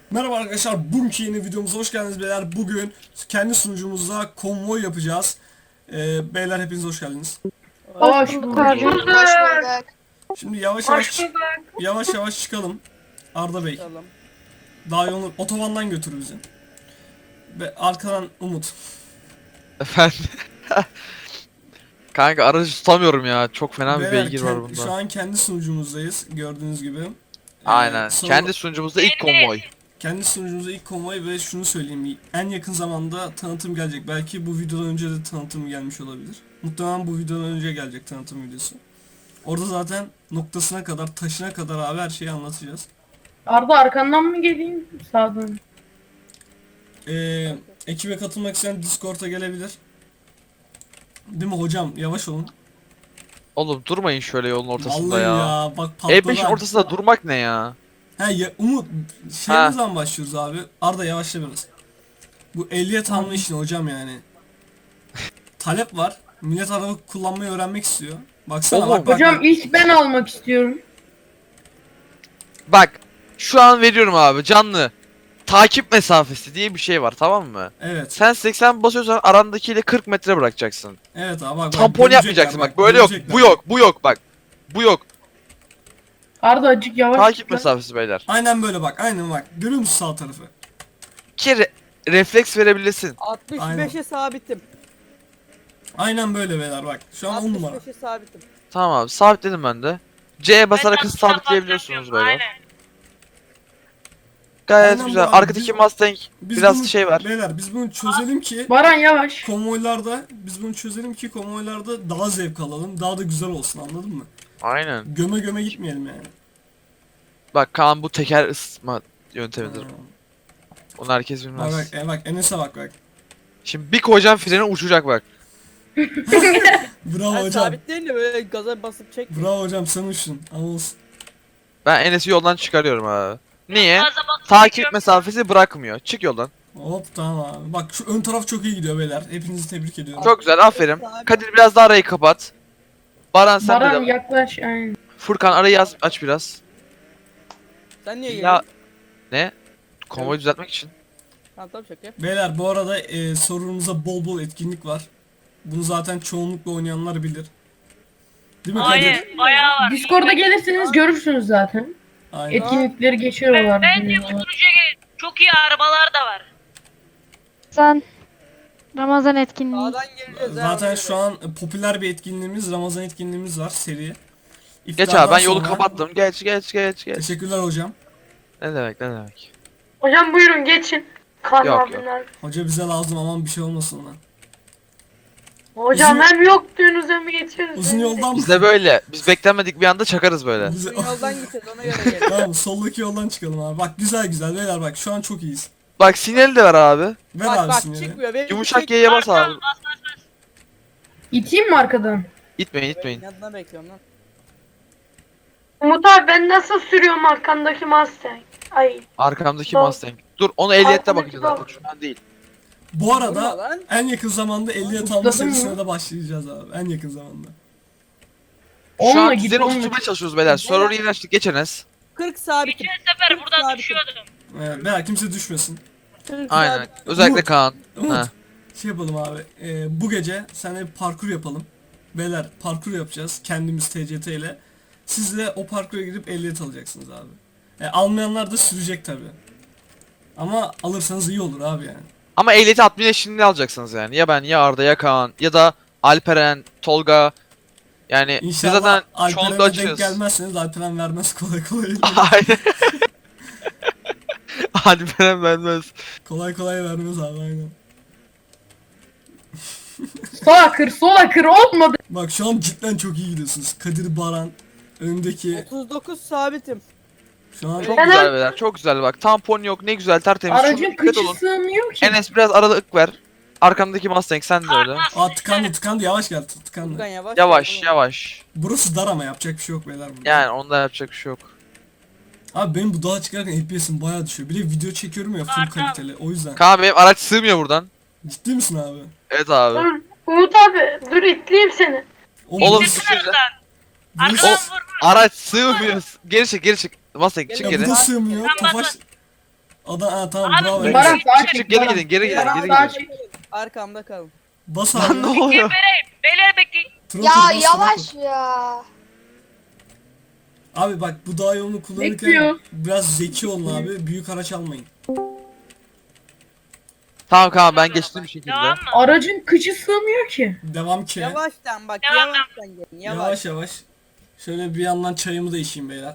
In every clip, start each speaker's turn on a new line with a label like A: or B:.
A: Merhaba arkadaşlar, bugünkü yeni videomuza hoş geldiniz beyler. Bugün kendi sunucumuzda konvoy yapacağız. Beyler hepiniz hoş geldiniz.
B: Hoş bulduk abi.
C: Hoş bulduk.
A: Şimdi yavaş yavaş çıkalım. Arda Bey,
B: Tamam.
A: daha yolu otobandan götür bizi. Ve arkadan Umut.
D: Efendim. Kanka aracı tutamıyorum ya. Çok fena bir
A: Beyler,
D: beygir var bunda.
A: şu an kendi sunucumuzdayız gördüğünüz gibi.
D: Aynen.
A: Sonra
D: Kendi sunucumuzda ilk konvoy.
A: kendi sunucumuzda ilk konvoy ve şunu söyleyeyim, en yakın zamanda tanıtım gelecek. Belki bu videodan önce de tanıtım gelmiş olabilir. Muhtemelen bu videodan önce gelecek tanıtım videosu. Orada zaten noktasına kadar, taşına kadar abi her şeyi anlatacağız.
B: Arda arkandan mı geleyim? Sağdan.
A: Ekibe katılmak isteyen Discord'a gelebilir. Değil mi hocam? Yavaş olun.
D: Oğlum durmayın şöyle yolun ortasında
A: Vallahi
D: ya.
A: ya bak patladı.
D: E5'in ortasında durmak ne ya?
A: He ya, Umut şeyimiz zaman başlıyoruz abi. Arda yavaşla biraz. Bu ehliyet alma işini hocam yani. Talep var. Millet araba kullanmayı öğrenmek istiyor. Baksana
D: Oğlum.
A: bak.
B: Hocam ilk ben almak istiyorum.
D: Bak. Şu an veriyorum abi canlı. Takip mesafesi diye bir şey var, tamam mı?
A: Evet.
D: Sen 80 basıyorsan arandakiyle 40 metre bırakacaksın.
A: Evet abi bak.
D: Tampon
A: görecekler,
D: yapmayacaksın bak. Böyle yok.
A: görecekler.
D: Bu yok. Bu yok bak. Bu yok.
B: Arda acık yavaş.
D: Takip
B: git lan.
D: mesafesi beyler.
A: Aynen böyle bak. Aynen bak. Görüyor musun sağ tarafı?
D: Ki refleks verebilirsin.
C: 65'e sabitim.
A: Aynen böyle beyler bak. Şu an 10 numara.
C: 65'e sabitim.
D: Tamam abi, sabitledim ben de. C'ye basarak hız sabitleyebiliyorsunuz böyle. Gayet
A: Aynen
D: güzel.
A: bu abi.
D: Arkadaki Mustang
A: Biz
D: biraz
A: bunu,
D: şey var.
A: Beyler biz bunu çözelim ki
B: Baran yavaş.
A: konvoylarda daha zevk alalım. Daha da güzel olsun, anladın mı?
D: Aynen.
A: Göme göme gitmeyelim yani.
D: Bak Kaan, bu teker ısıtma yöntemidir.
A: Aa,
D: Onu herkes
A: Bak
D: bilmez.
A: bak, bak Enes'e bak.
D: Şimdi bir koyacağım freni, uçacak bak.
A: Bravo
C: Ben
A: hocam.
C: sabitleyin de böyle gaza basıp çek.
A: Bravo hocam, sen uçtun. Ama olsun.
D: Ben Enes'i yoldan çıkarıyorum abi. Niye? Takip mesafesi bırakmıyor. Çık yoldan.
A: Hop tamam abi. Bak şu ön taraf çok iyi gidiyor beyler. Hepinizi tebrik ediyorum.
D: Çok güzel, aferin. Kadir biraz daha arayı kapat. Baran sen de
B: Baran
D: devam.
B: yaklaş. Aynen.
D: Furkan arayı aç biraz.
C: Sen niye
D: Ya
C: geliyorsun?
D: ne? Konvoyu düzeltmek için.
C: Tamam şaka.
A: Beyler bu arada sorunumuza bol bol etkinlik var. Bunu zaten çoğunlukla oynayanlar bilir. Değil mi Kadir?
E: Aynen, bayağı var.
B: Discord'a gelirseniz görürsünüz zaten.
A: Aynen.
B: Etkinlikleri geçiyorlar.
E: Bence bu sunucuya çok iyi arabalar da var.
F: Ramazan etkinliği.
C: Sağdan geleceğiz.
A: Zaten şu an popüler bir etkinliğimiz, Ramazan etkinliğimiz var, seri.
D: Geç
A: İftardan
D: abi, ben yolu
A: sonra-
D: kapattım. Geç.
A: Teşekkürler hocam.
D: Ne demek.
B: Hocam buyurun geçin.
D: Yok.
A: Hoca bize lazım, aman bir şey olmasın lan.
B: Hocam
A: Uzun-
B: hem yok diyorsunuz hem geçiyoruz.
A: Uzun yoldan mı?
D: Biz de böyle. Biz beklenmedik bir anda çakarız böyle.
A: Bize-
C: Yoldan gideceğiz ona göre gel.
A: Tamam, soldaki yoldan çıkalım abi. Bak güzel beyler, bak şu an çok iyiyiz.
D: Bak sinyali de ver abi.
A: Ver
C: Bak
A: abi
C: bak
A: sinyali.
C: çıkmıyor. Benim
D: Yumuşak
C: çek-
D: Y'ye bas abi.
E: Bas, bas, bas.
B: İteyim mi arkadan?
D: İtmeyin.
C: Yanına bekliyorum lan.
G: Umut abi ben nasıl sürüyorum arkandaki Mustang? Ay
D: Arkamdaki
G: Sol.
D: Mustang. Dur, onu ehliyette
G: Arkadaki
D: bakacağız
G: sol.
D: zaten, şu an değil.
A: Bu
C: Vurma
A: arada
C: lan.
A: en yakın zamanda ehliyet alma
B: Ustadın mı?
A: serisine de başlayacağız abi. En yakın zamanda.
D: Şu
B: Onunla
D: an
B: git,
D: düzeni
B: onunla
D: oturtmaya
B: git.
D: çalışıyoruz beyler. Server'ı yeni açtık, geç Enes.
C: 40 sabitim.
E: Geçen sefer buradan
C: Sabitim.
E: düşüyordum.
A: Beyler kimse düşmesin.
C: 40
D: Aynen.
C: sabit.
D: Özellikle
A: Umut.
D: Kaan.
A: Umut,
D: Ha.
A: şey yapalım abi. Bu gece seninle bir parkur yapalım. Beyler parkur yapacağız kendimiz TCT ile. Siz de o parkura gidip ehliyet alacaksınız abi. Almayanlar da sürecek tabi. Ama alırsanız iyi olur abi yani.
D: Ama ehliyeti 60 yaşında alacaksınız yani. Ya ben, ya Arda, ya Kaan, ya da Alperen, Tolga. Yani biz
A: İnşallah
D: zaten çoğunlukla
A: Alperen'e denk
D: açıyoruz.
A: gelmezseniz Alperen vermez kolay kolay.
D: Aynen. Alperen vermez.
A: kolay kolay vermez abi, aynen.
B: Sola kır olmadı.
A: Bak şu an cidden çok iyi gidiyorsunuz. Kadir, Baran önündeki
C: 39 sabitim.
A: şu an
D: Çok güzel beyler, çok güzel bak. Tampon yok, ne güzel, tertemiz.
B: Aracın
D: Şuna dikkat
B: kıçı
D: olun.
B: sığmıyor ki.
D: Enes biraz aralık ver. Arkamdaki Mustang sen de öyle.
A: tıkandı yavaş gel tıkandı.
C: Furkan yavaş.
D: Yavaş.
A: Burası dar ama yapacak bir şey yok beyler burada.
D: Yani onda yapacak bir şey yok.
A: Abi benim bu dağa çıkarken FPS'im bayağı düşüyor. Bir de video çekiyorum ya full kaliteli, o yüzden.
D: Kaan, benim araç sığmıyor buradan.
A: Ciddi misin abi?
D: Evet abi.
G: dur Umut abi dur itleyeyim seni.
D: Oğlum
E: Çıksın
D: düşünce.
E: buradan.
A: burası-
E: Arkadan vur.
D: Araç sığmıyor. Geri çık. Mustang çık
A: ya
D: geri.
A: bu da sığmıyor.
E: Tamam,
A: Tofaş. Tamam
E: Abi,
A: bravo.
E: Baran-
B: Baran sağa çek.
D: Çık geri
B: Baran.
D: gidin geri gidin
B: Baran
D: geri
B: sağa
D: gidin.
B: çek.
C: Arkamda kalın.
A: Bas
D: Lan
A: abi.
D: ne oluyor?
E: Beyler bekleyin.
A: Throttle
F: Ya
A: bas,
F: yavaş
A: throttle.
F: ya.
A: Abi bak bu dağ yolunu kullanırken
B: Bekliyor.
A: biraz zeki olun abi. Büyük araç almayın.
D: Tamam ben geçtim bir şekilde.
E: Devam mı?
B: Aracın kıçı sığmıyor ki.
A: Devam ki.
C: Yavaştan bak
E: Devam.
C: yavaştan gelin yavaş.
A: Yavaş yavaş. Şöyle bir yandan çayımı da içeyim beyler.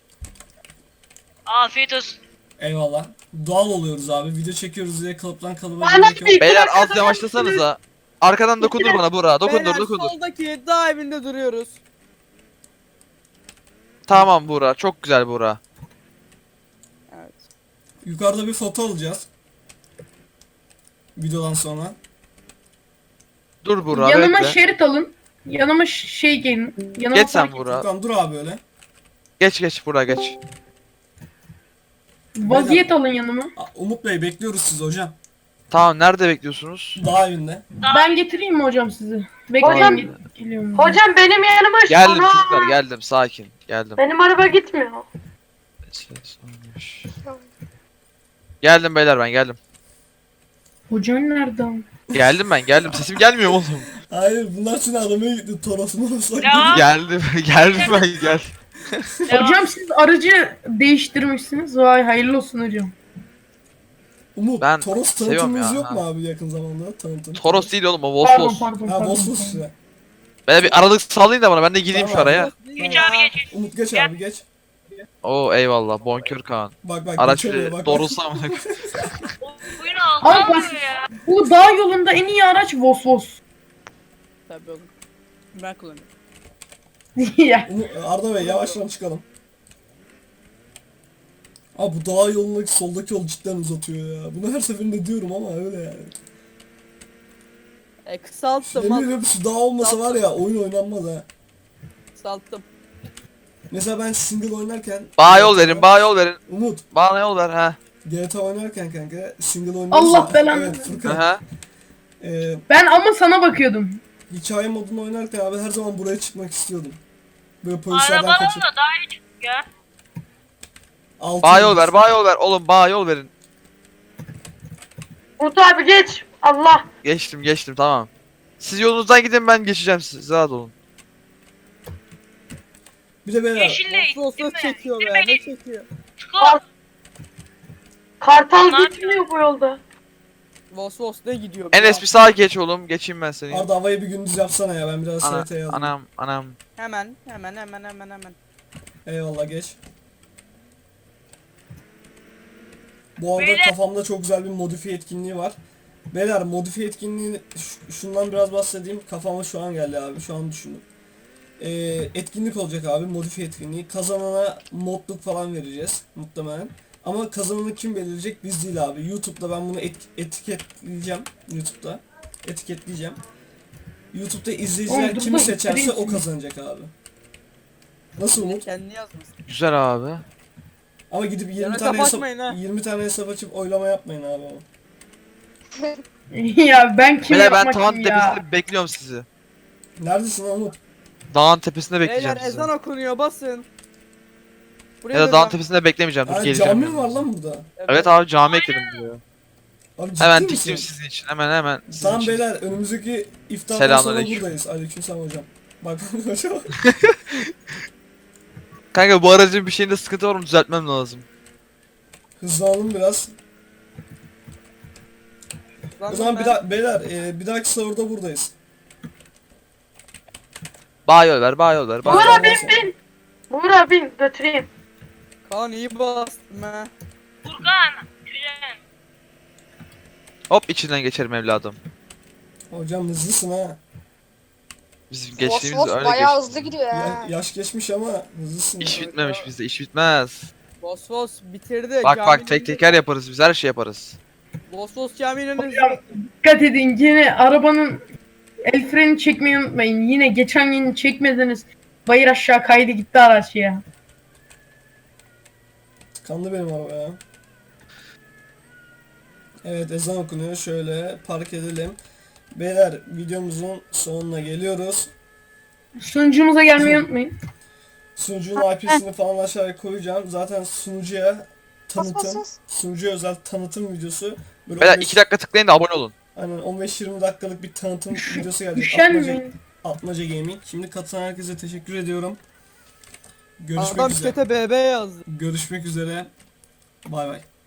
E: Afiyet olsun.
A: Eyvallah. Doğal oluyoruz abi. Video çekiyoruz diye kalıptan kalıba
G: Bana
A: gerek yok.
G: bir-
D: Beyler az yavaşlasanıza. Arkadan dokundur bana Burak. Dokundur
C: Beyler
D: dokundur.
C: soldaki dağ evinde duruyoruz.
D: Tamam Burak. Çok güzel Burak.
C: Evet.
A: Yukarıda bir foto alacağız. Videodan sonra.
D: Dur Burak
B: Yanıma
D: bekle.
B: şerit alın. Yanıma şey gelin. Yanıma
D: Geç sen
B: park-
D: Burak.
A: Furkan dur abi öyle.
D: Geç Burak geç.
B: Vaziyet alın yanıma.
A: Umut Bey bekliyoruz sizi hocam.
D: Tamam nerede bekliyorsunuz?
A: Dağ evinde.
B: Ben getireyim mi hocam sizi? Bekleyin
G: Hocam-
B: geliyorum.
G: Hocam benim yanıma
D: Geldim
G: Ana!
D: çocuklar geldim sakin. Geldim.
G: Benim araba gitmiyor.
D: Geldim beyler ben geldim.
B: Hocan nerede?
D: Geldim ben geldim. Sesim gelmiyor mu oğlum?
A: Hayır bunlar seni aramaya gitti. Torosunu olsak.
E: Devam.
D: Geldim. Geldim ben gel.
E: Devam.
B: Hocam siz aracı değiştirmişsiniz. Vay hayırlı olsun hocam.
A: Umut
D: Ben
A: Toros
D: seviyorum
A: tanıtımımız
D: ya,
A: yok
D: ha.
A: mu abi yakın zamanda? Tanıtım.
D: Toros değil oğlum o
B: Pardon
D: Vosvos.
B: pardon
A: Ha
B: pardon.
A: Vosvos size.
D: Böyle bir aralık sağlayın da bana ben de gideyim şu
A: Tamam.
D: araya.
E: Geç abi geç.
A: Umut geç
E: Gel.
A: abi geç.
D: Oo eyvallah bonkör Kaan.
A: Bak
D: Araç
A: geçemiyor,
D: bir
A: bak.
D: doğrulsa amına.
E: Oyunu aldı
B: Abi
E: alıyor ya.
B: Bu dağ yolunda en iyi araç Vos.
C: Tabii oğlum. Ben kullanıyorum.
B: Ya.
A: Arda Bey yavaştan çıkalım. Abi bu dağ yolundaki soldaki yol cidden uzatıyor ya. Bunu her seferinde diyorum ama öyle yani.
C: Kısalttım
A: Yemin
C: al.
A: ediyorum şu dağ olmasa var ya oyun oynanmaz ha.
C: Kısalttım.
A: Mesela ben single oynarken
D: Bana yol verin bana yol verin.
A: Umut
D: Bana yol ver ha.
A: GTA oynarken kanka single oynuyorsa
B: Allah belanı.
A: Evet Furkan.
D: Aha.
B: Ben ama sana bakıyordum.
A: Hikaye modunu oynarken abi her zaman buraya çıkmak istiyordum. Böyle polislerden
E: Arabadan
A: kaçıp
E: da daha iyi çıktık ya.
A: altı
D: Bana yol
A: yıldız.
D: ver bana yol ver. Oğlum bana yol verin.
G: Umut abi geç. Allah.
D: Geçtim tamam. Siz yolunuzdan gidin ben geçeceğim siz rahat olun.
A: Bir de beyler
E: Yeşille
C: Vos
E: değil mi?
C: çekiyor be
E: Değil mi?
C: ne çekiyor?
E: Çıkar.
G: Kartal
E: Ne
G: gitmiyor bu yolda.
C: Vos ne gidiyor? be
D: Enes
C: ya?
D: bir sağa geç oğlum. Geçeyim ben seni.
A: Arda havayı bir gündüz yapsana ya ben biraz
D: Ana,
A: SRT'ye yazdım.
D: anam.
C: Hemen.
A: Eyvallah geç. Bu arada
E: Beyler-
A: kafamda çok güzel bir modifiye etkinliği var. Beyler modifiye etkinliğini şundan biraz bahsedeyim. Kafama şu an geldi abi. Şu an düşündüm. Etkinlik olacak abi. Modifiye etkinliği. Kazanana modluk falan vereceğiz muhtemelen. Ama kazananı kim belirleyecek biz değil abi. YouTube'da ben bunu etiketleyeceğim. YouTube'da. Etiketleyeceğim. YouTube'da izleyiciler
B: Oğlum,
A: kimi
B: dur,
A: seçerse o
B: dur.
A: kazanacak abi. Nasıl Umut?
C: Kendini yazmasın.
D: Güzel abi.
A: Ama gidip 20
C: Yana
A: tane hesap
C: kapatmayın ha.
A: 20 tane hesap açıp oylama yapmayın abi ama.
B: Ya ben kim
D: Beyler ben
B: yapmak
D: tavan
B: kim ya?
D: tepesinde bekliyorum sizi.
A: Neredesin lan Umut?
D: Dağın tepesinde bekleyeceğim
C: Beyler
D: sizi.
C: ezan okunuyor basın. Buraya
D: Ya da dağın
C: döneceğim.
D: tepesinde beklemeyeceğim. Dur
A: Ha,
D: geleceğim.
A: cami mi
D: yanına.
A: var lan burada?
D: Evet abi cami ekledim buraya.
A: Abi ciddi
D: Hemen
A: misin?
D: diktim sizin için. Hemen sizin
A: Tamam
D: için.
A: beyler önümüzdeki iftardan sonra
D: Selamünaleyküm.
A: buradayız. Aleykümselam hocam. Bak hocam.
D: Kanka bu aracın bir şeyinde sıkıntı var mı düzeltmem lazım.
A: Hızlanalım biraz.
C: Lan
A: O zaman
C: ben-
A: beyler bir dahaki sahurda buradayız.
D: Bana yol ver bana yol ver.
A: Buyur
G: Buyur
D: Bana...
A: abi.
G: abi bin. Buyur abi götüreyim.
C: Kaan iyi bastım ha.
E: Furkan. Güzel.
D: Hop içinden geçerim evladım.
A: Hocam hızlısın ha.
D: Bizim
F: Vos
D: geçtiğimiz
F: vos
D: öyle
F: bayağı
D: geçti.
F: hızlı gidiyor ya.
A: Yaş geçmiş ama hızlısın.
D: İş
A: ya.
D: bitmemiş bizde iş bitmez.
C: Vos bitirdi.
D: Bak
C: Caminin
D: tek teker yaparız biz her şey yaparız.
C: Vos caminin önünde.
B: Hocam dikkat edin yine arabanın el freni çekmeyi unutmayın. Yine geçen gün çekmediniz. Bayır aşağı kaydı gitti araç ya.
A: Tıkandı benim araba ya. Evet ezan okunuyor. Şöyle park edelim. Beyler videomuzun sonuna geliyoruz.
B: Sunucumuza gelmeyi unutmayın.
A: Sunucunun IP'sini falan aşağıya koyacağım. Zaten sunucuya tanıtım, sunucu özel tanıtım videosu. Böyle
D: Beyler
A: 15
D: 2 dakika tıklayın da abone olun.
A: aynen 15-20 dakikalık bir tanıtım videosu gelecek.
B: Üşenmeyin.
A: Atmaca Gaming. Şimdi katılan herkese teşekkür ediyorum. Görüşmek
C: Adam
A: üzere.
C: chat'e BB yazdı.
A: Görüşmek üzere. Bay bay.